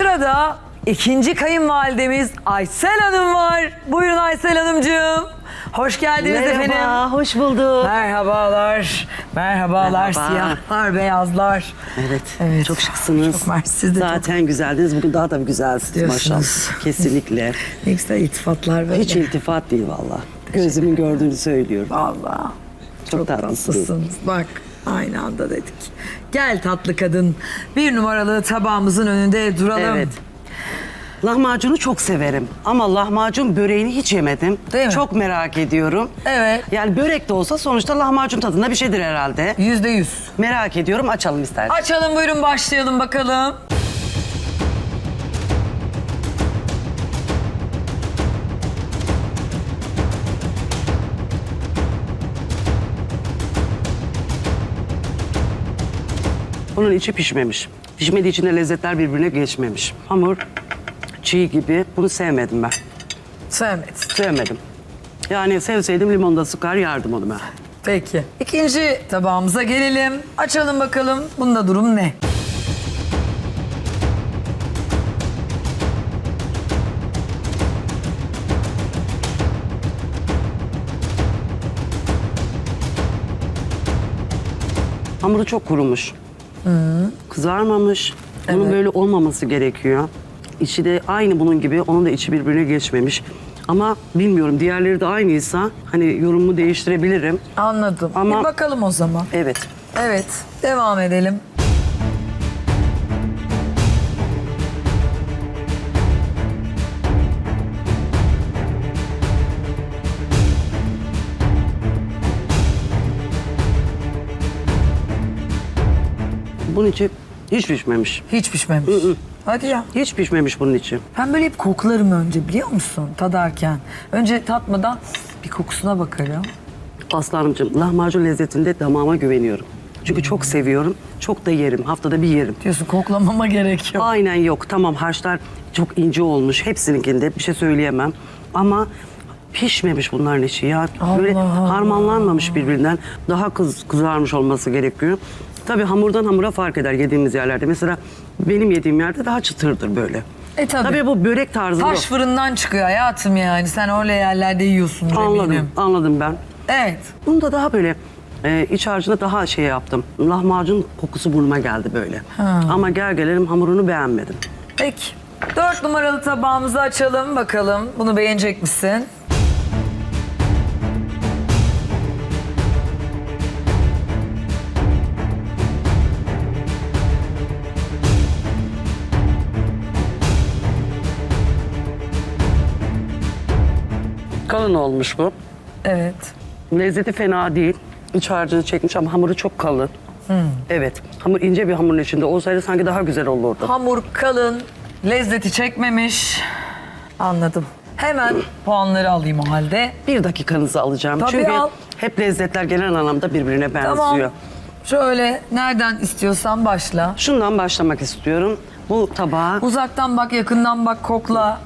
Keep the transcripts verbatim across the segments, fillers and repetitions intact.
Sırada ikinci kayınvalidemiz Aysel Hanım var. Buyurun Aysel Hanımcığım. Hoş geldiniz Merhaba, efendim. hoş bulduk. Merhabalar. Merhabalar. Merhaba. Siyahlar, beyazlar. Evet, Evet. çok şıksınız. Çok mersi. Siz de Zaten güzeldiniz. Bugün daha da bir güzelsiniz Diyorsunuz. maşallah. Kesinlikle. Ne güzel iltifatlar böyle. Hiç iltifat değil valla. Gözümün gördüğünü söylüyorum. Vallahi. Çok, tatlısınız. Tatlısınız. Bak aynı anda dedik. Gel tatlı kadın. Bir numaralı tabağımızın önünde duralım. Evet. Lahmacunu çok severim ama lahmacun böreğini hiç yemedim. Değil mi? Çok merak ediyorum. Evet. Yani börek de olsa sonuçta lahmacun tadında bir şeydir herhalde. Yüzde yüz. Merak ediyorum, açalım isterseniz. Açalım buyurun başlayalım bakalım. Bunun içi pişmemiş. Pişmediği için de lezzetler birbirine geçmemiş. Hamur çiğ gibi. Bunu sevmedim ben. Sevmedim. Sevmedim. Yani sevseydim limonda sıkar yardım onu ben. Peki. İkinci tabağımıza gelelim. Açalım bakalım. Bunda durum ne? Hamuru çok kurumuş. Kızarmamış. Bunun Evet. böyle olmaması gerekiyor. İçi de aynı bunun gibi. Onun da içi birbirine geçmemiş. Ama bilmiyorum, diğerleri de aynıysa hani yorumumu değiştirebilirim. Anladım. Ama- Bir bakalım o zaman. Evet. Evet. Devam edelim. Bunun içi hiç pişmemiş. Hiç pişmemiş. Hadi ya. Hiç pişmemiş bunun içi. Ben böyle hep koklarım önce biliyor musun tadarken. Önce tatmadan bir kokusuna bakarım. Aslanımcığım, lahmacun lezzetinde damağıma güveniyorum. Çünkü çok seviyorum. Çok da yerim. Haftada bir yerim. Diyorsun koklamama gerek yok. Aynen yok. Tamam, harçlar çok ince olmuş. Hepsininkinde bir şey söyleyemem. Ama pişmemiş bunların içi ya. Böyle Allah Allah. harmanlanmamış birbirinden. Daha kız, kızarmış olması gerekiyor. Tabii hamurdan hamura fark eder yediğimiz yerlerde. Mesela benim yediğim yerde daha çıtırdır böyle. E tabii. Tabii bu börek tarzı Taş yok. fırından çıkıyor hayatım yani. Sen öyle yerlerde yiyorsun eminim. Anladım, anladım ben. Evet. Bunu da daha böyle e, iç harcında daha şey yaptım. Lahmacun kokusu burnuma geldi böyle. Ha. Ama gel gelelim hamurunu beğenmedim. Peki. Dört numaralı tabağımızı açalım bakalım. Bunu beğenecek misin? Kalın olmuş bu. Evet. Lezzeti fena değil. İç harcını çekmiş ama hamuru çok kalın. Evet. Hamur ince bir hamurun içinde olsaydı sanki daha güzel olurdu. Hamur kalın, lezzeti çekmemiş. Anladım. Hemen puanları alayım o halde. Bir dakikanızı alacağım. Tabii Çünkü al. hep lezzetler genel anlamda birbirine benziyor. Tamam. Şöyle nereden istiyorsan başla. Şundan başlamak istiyorum. Bu tabağa, Uzaktan bak, yakından bak, kokla.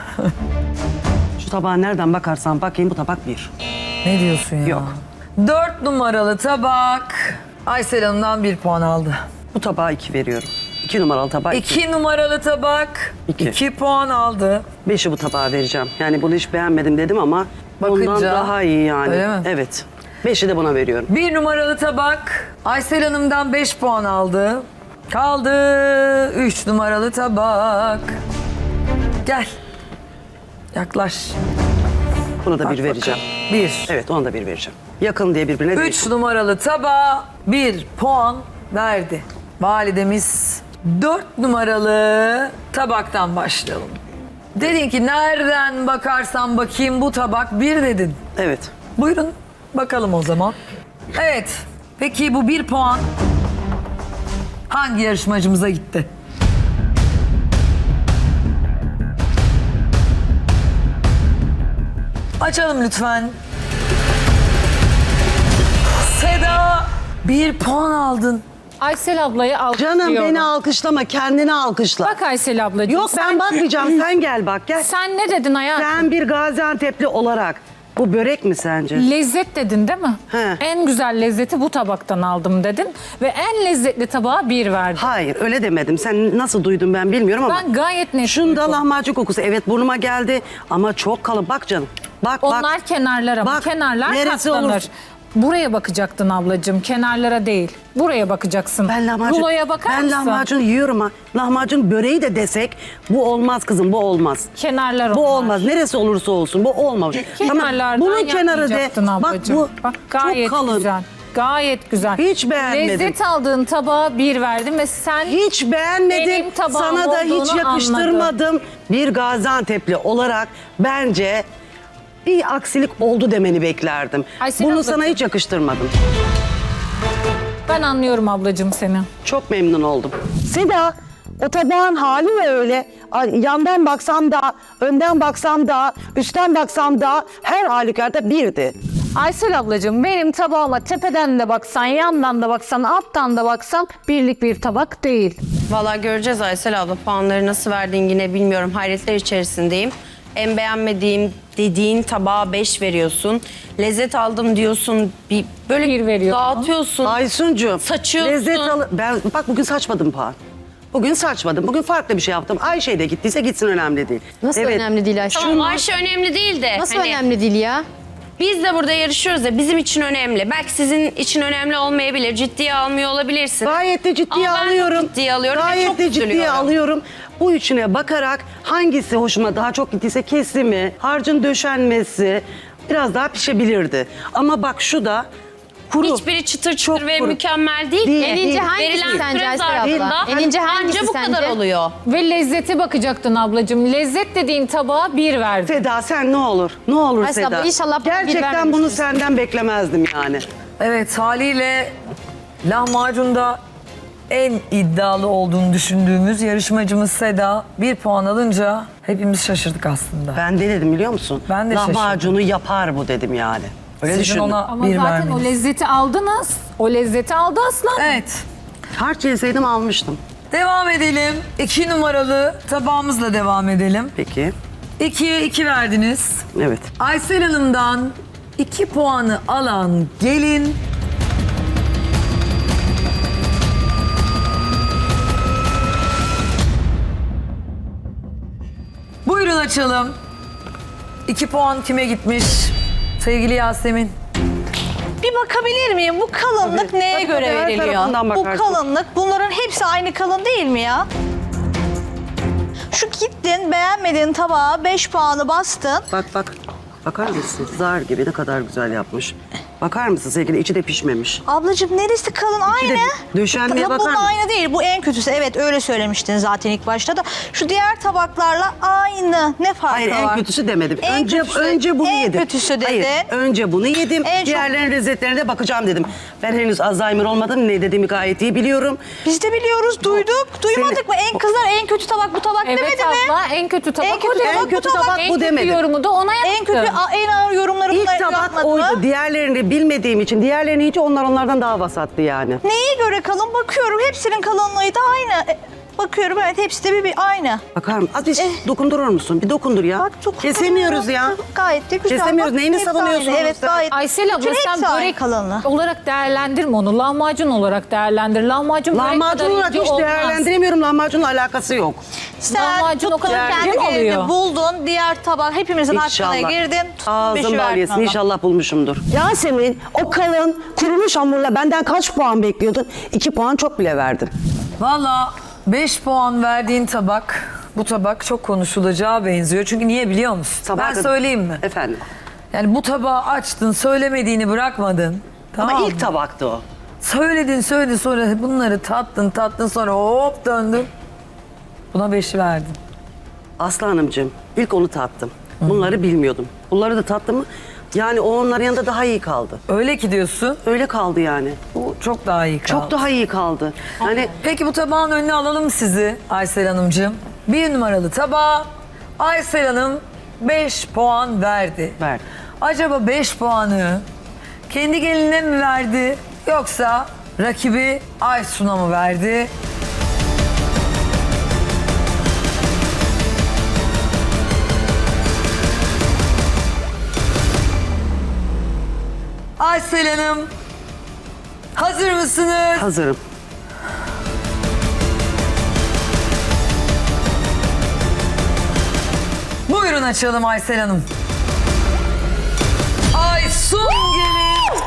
şu tabağa nereden bakarsan bakayım bu tabak bir. Ne diyorsun ya? Yok. Dört numaralı tabak. Aysel Hanım'dan bir puan aldı. Bu tabağa iki veriyorum. İki numaralı tabağa iki. İki numaralı tabak. İki. iki puan aldı. Beşi bu tabağa vereceğim. Yani bunu hiç beğenmedim dedim ama Bakınca, bundan daha iyi yani. öyle mi? Evet. Beşi de buna veriyorum. Bir numaralı tabak. Aysel Hanım'dan beş puan aldı. Kaldı üç numaralı tabak. Gel. Yaklaş. Buna da Bak bir vereceğim. Bir. Evet, ona da bir vereceğim. Yakın diye birbirine değil. Üç numaralı tabağa bir puan verdi. Validemiz dört numaralı tabaktan başlayalım. Dedin ki nereden bakarsan bakayım bu tabak bir dedin. Evet. Buyurun bakalım o zaman. Evet. Peki bu bir puan hangi yarışmacımıza gitti? Açalım lütfen. Seda bir puan aldın. Aysel ablayı alkışlıyorum. Canım beni alkışlama, kendini alkışla. Bak Aysel ablacığım. Yok ben bakmayacağım, sen gel bak gel. Sen ne dedin hayatım? Sen bir Gaziantep'li olarak Bu börek mi sence? Lezzet dedin değil mi? He. En güzel lezzeti bu tabaktan aldım dedin. Ve en lezzetli tabağa bir verdin. Hayır öyle demedim. Sen nasıl duydun ben bilmiyorum ama. Ben gayet net Şunda duydum. lahmacun kokusu evet burnuma geldi ama çok kalın. Bak canım. Bak bak. Onlar kenarlar ama Bak, kenarlar neresi katlanır. olur? Buraya bakacaktın ablacığım, kenarlara değil. Buraya bakacaksın. Ben lahmacun, Ruloya bakar ben mısın? lahmacun yiyorum ha. Lahmacun böreği de desek bu olmaz kızım bu olmaz. Kenarlar Bu onlar. olmaz. Neresi olursa olsun bu olmaz. Kenarlardan bunun kenarı de. yapmayacaktın Bak ablacığım. bu Bak, gayet çok kalın. güzel. Gayet güzel. Hiç beğenmedim. Lezzet aldığın tabağa bir verdim ve sen Hiç beğenmedim. Benim tabağım Sana da hiç olduğunu yakıştırmadım. Bir Gaziantep'li olarak bence bir aksilik oldu demeni beklerdim. Aysel Bunu ablacığım. sana hiç yakıştırmadım. ben anlıyorum ablacığım seni. Çok memnun oldum. Seda, o tabağın hali mi öyle? Ay, yandan baksam da, önden baksam da, üstten baksam da her halükarda birdi. Aysel ablacığım benim tabağıma tepeden de baksan, yandan da baksan, alttan da baksan birlik bir tabak değil. Vallahi göreceğiz Aysel abla. Puanları nasıl verdin yine bilmiyorum. Hayretler içerisindeyim. En beğenmediğim dediğin tabağa beş veriyorsun. Lezzet aldım diyorsun. Bir böyle Bir veriyorsun. dağıtıyorsun. Aysuncuğum. Saçıyorsun. Lezzet al ben bak bugün saçmadım puan. Bugün saçmadım. Bugün farklı bir şey yaptım. Ayşe de gittiyse gitsin önemli değil. Nasıl önemli değil Ayşe? Tamam Ayşe önemli değil de. Nasıl hani önemli değil ya? Biz de burada yarışıyoruz ya bizim için önemli. Belki sizin için önemli olmayabilir. Ciddiye almıyor olabilirsin. Gayet de ciddiye Ama ben çok alıyorum. ciddiye alıyorum ve Gayet çok de ciddiye üzülüyorum. alıyorum. Bu üçüne bakarak hangisi hoşuma daha çok gittiyse kesimi, harcın döşenmesi biraz daha pişebilirdi. Ama bak şu da kuru. Hiçbiri çıtır çıtır Çok ve kuru. mükemmel değil. Değil. En En ince ince hangisi verilen sence süre Aysel zarfında abla? En ince hangisi anca bu sence? kadar oluyor. Ve lezzete bakacaktın ablacığım. Lezzet dediğin tabağa bir verdin. Seda sen ne olur? Ne olur Aysel Seda? abla, inşallah bana bir Gerçekten bunu vermemiştir. senden beklemezdim yani. Evet, haliyle lahmacunda en iddialı olduğunu düşündüğümüz yarışmacımız Seda bir puan alınca hepimiz şaşırdık aslında. Ben de dedim biliyor musun? Ben de Lahmacunu yapar bu dedim yani. Öyle Sizin düşündüm. ona Ama bir zaten vermeniz. o lezzeti aldınız. O lezzeti aldı aslan. Evet. Harç yeseydim almıştım. Devam edelim. İki numaralı tabağımızla devam edelim. Peki. İkiye iki verdiniz. Evet. Aysel Hanım'dan iki puanı alan gelin. Buyurun açalım. İki puan kime gitmiş? Sevgili Yasemin. Bir bakabilir miyim? Bu kalınlık neye Tabii, göre tabii, her veriliyor? tarafından Bu bakarsın. kalınlık, bunların hepsi aynı kalın değil mi ya? Şu gittin, beğenmediğin tabağa beş puanı bastın. Bak bak. Bakar mısın? Zar gibi ne kadar güzel yapmış. Bakar mısın sevgili? İçi de pişmemiş. Ablacığım neresi kalın? Aynı. döşenmeye Ya bakar bunun mısın? aynı değil. Bu en kötüsü. Evet öyle söylemiştin zaten ilk başta da. Şu diğer tabaklarla aynı. Ne farkı Hayır var? en kötüsü demedim. En önce kötüsü- önce bunu en yedim. kötüsü dedin. Hayır, önce bunu yedim. En çok- Diğerlerinin lezzetlerine de bakacağım dedim. Ben henüz Alzheimer olmadım. Ne dediğimi gayet iyi biliyorum. Biz de biliyoruz, duyduk. Duymadık mı? En kızlar en kötü tabak bu tabak Evet demedi abla mi? en kötü tabak En kötü o dedi. tabak bu kötü tabak En bu kötü demedim. yorumu da ona yaptım. En kötü, a- en ağır yorumları İlk bunlar tabak yapmadı oydu. mı? Diğerlerini bilmediğim için diğerlerini hiç onlar onlardan daha vasattı yani. Neye göre kalın? Bakıyorum hepsinin kalınlığı da aynı. E, Bakıyorum evet hepsi de bir, bir aynı. Bakar mısın? Az bir Eh. dokundurur musun? Bir dokundur ya. Bak çok Kesemiyoruz ya. Gayet de güzel. Kesemiyoruz. Bak, Neyini hepsi savunuyorsunuz aynı. Evet sen? gayet. Aysel abla Çünkü sen hepsi aynı börek kalınlığı. olarak değerlendirme onu. Lahmacun olarak değerlendir. Lahmacun börek Lahmacun kadar olarak ince hiç olmaz. değerlendiremiyorum. Lahmacunla alakası yok. Sen Lahmacun o tuttun, kadar kendi ince mi yerini oluyor? buldun. Diğer tabak hepimizin İnşallah. hakkına girdin. Tuttun beşi Ağzım bal verdin yesin. ona. İnşallah bulmuşumdur. Yasemin, o kalın, kurumuş hamurla benden kaç puan bekliyordun? İki puan çok bile verdim. Valla beş puan verdiğin tabak, bu tabak çok konuşulacağı benziyor. Çünkü niye biliyor musun? Sabah ben dedim. söyleyeyim mi? Efendim. Yani bu tabağı açtın, söylemediğini bırakmadın. Tamam Ama mı? ilk tabaktı o. Söyledin, söyledin, sonra bunları tattın, tattın, sonra hop döndün. Buna beşi verdin. Aslı Hanımcığım ilk onu tattım. Bunları bilmiyordum. Bunları da tattım mı? Yani o onların yanında daha iyi kaldı. Öyle ki diyorsun, Öyle kaldı yani. bu çok daha iyi kaldı. Çok daha iyi kaldı. Hani Peki bu tabağın önüne alalım sizi Aysel Hanımcığım. Bir numaralı tabağa Aysel Hanım beş puan verdi. Verdi. Acaba beş puanı kendi gelinine mi verdi yoksa rakibi Aysun'a mı verdi? Aysel Hanım, hazır mısınız? Hazırım. Buyurun açalım Aysel Hanım. Aysun gelin.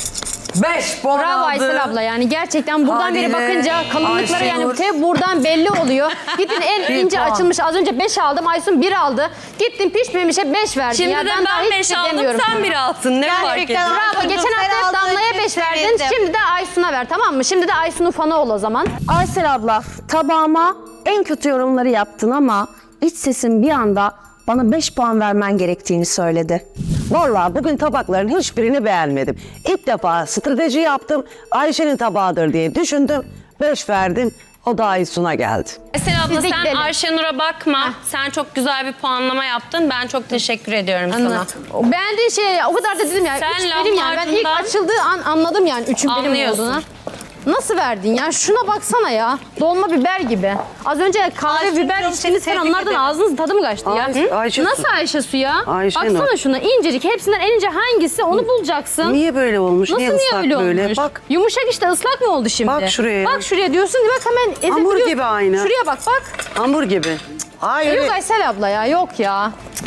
Beş puan Bravo aldı. Aysel abla yani gerçekten buradan beri Haliyle bakınca kalınlıkları yani Ayşenur. te buradan belli oluyor. Gittin en Bir ince puan. açılmış az önce beş aldım Aysun bir aldı. Gittin pişmemişe beş verdin. Şimdi ya, de daha ben hiçbir beş şey aldım demiyorum sen sana. bir altın. Ne fark Gerçekten ediyor? Bravo. Aysun'cum, Geçen sen hafta hep aldığın Damla'ya için beş verdin. sevindim. Şimdi de Aysun'a ver tamam mı? Şimdi de Aysun'un fanı ol o zaman. Aysel abla tabağıma en kötü yorumları yaptın ama iç sesin bir anda bana beş puan vermen gerektiğini söyledi. Vallahi bugün tabakların hiçbirini beğenmedim. İlk defa strateji yaptım. Ayşe'nin tabağıdır diye düşündüm. Beş verdim. O da Aysun'a geldi. Aysel abla Biz de sen gidelim. Ayşenur'a bakma. Sen çok güzel bir puanlama yaptın. Ben çok teşekkür ediyorum sana. Anlat. Beğendiğin şey o kadar da dedim yani. Sen Üç benim yani. Ben ilk lahmacundan- açıldığı an anladım yani üçün benim Anlıyorsun. olduğunu. Nasıl verdin ya? Şuna baksana ya. Dolma biber gibi. Az önce kahve Ayşenur, biber çok içtiniz tebrik falan onlardan ederim. ağzınızın tadı mı kaçtı ya? Ay- Hı? Ayşe su. Nasıl Ayşe su ya? Ayşenur. Baksana şuna incecik. Hepsinden en ince hangisi onu bulacaksın. Niye böyle olmuş? Nasıl niye niye ıslak öyle böyle? olmuş? Bak. Yumuşak işte ıslak mı oldu şimdi? Bak şuraya. Bak şuraya diyorsun ki bak hemen ezebiliyorsun. Hamur gibi aynı. Şuraya bak bak. Hamur gibi. Hayır. Yok Aysel abla ya yok ya.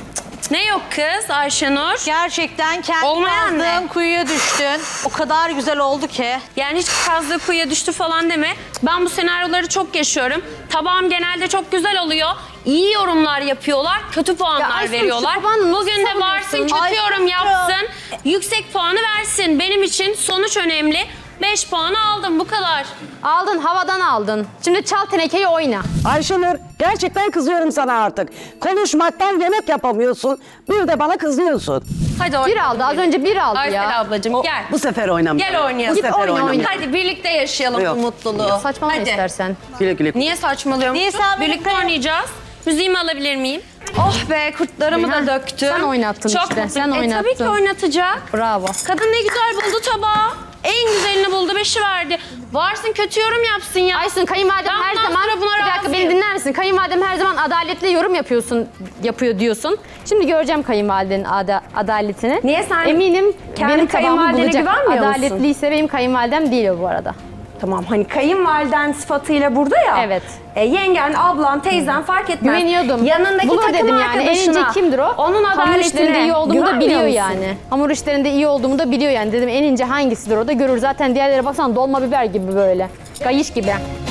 Ne yok kız Ayşenur? Gerçekten kendi Olmayan kazdığın ne? kuyuya düştün. O kadar güzel oldu ki. Yani hiç kazdığı kuyuya düştü falan deme. Ben bu senaryoları çok yaşıyorum. Tabağım genelde çok güzel oluyor. İyi yorumlar yapıyorlar, kötü Ya puanlar Aysun, veriyorlar. şu tabanı nasıl Bugün de savunuyorsun? varsın, kötü Aysun, yorum ya. yapsın. Yüksek puanı versin. Benim için sonuç önemli. beş puanı aldım, bu kadar. Aldın havadan aldın. Şimdi çal tenekeyi oyna. Ayşenur gerçekten kızıyorum sana artık. Konuşmaktan yemek yapamıyorsun. Bir de bana kızıyorsun. Hadi oyna. Bir aldı az önce bir aldı Aysel ya. ablacığım gel. Bu sefer oynamayalım. Gel oynayalım. Bu Git sefer oyna, oynamayalım. oyna. Hadi birlikte yaşayalım Yok. bu mutluluğu. Saçmalama Hadi. istersen. Güle güle. Niye saçmalıyorum? Niye sen Birlikte birlikte- oynayacağız. Müziğimi alabilir miyim? Oh be kurtlarımı da Ha, döktüm. sen oynattın Çok işte, mutluyum. sen E, tabii ki oynattın. oynatacak. Bravo. Kadın ne güzel buldu tabağı. En güzelini buldu, beşi verdi. Varsın kötü yorum yapsın ya. Aysun kayınvalidem Ben her bundan zaman sonra buna bir dakika razıyım. beni dinler misin? Kayınvalidem her zaman adaletli yorum yapıyorsun yapıyor diyorsun. Şimdi göreceğim kayınvalidenin ada, adaletini. Niye sen Eminim kendi benim tabağımı kayınvalidene bulacak. güvenmiyor musun? Adaletliyse benim kayınvalidem değil o bu arada. Tamam hani kayınvaliden sıfatıyla burada ya. Evet. E, yengen, ablan, teyzen fark etmez. Güveniyordum. Yanındaki Bulur takım dedim yani. En ince arkadaşına, kimdir o? Onun Hamur işlerinde adaletine iyi olduğumu da güvenmiyor biliyor musun? yani. Hamur işlerinde iyi olduğumu da biliyor yani. Dedim en ince hangisidir o da görür. Zaten diğerlere baksana dolma biber gibi böyle. Kayış gibi.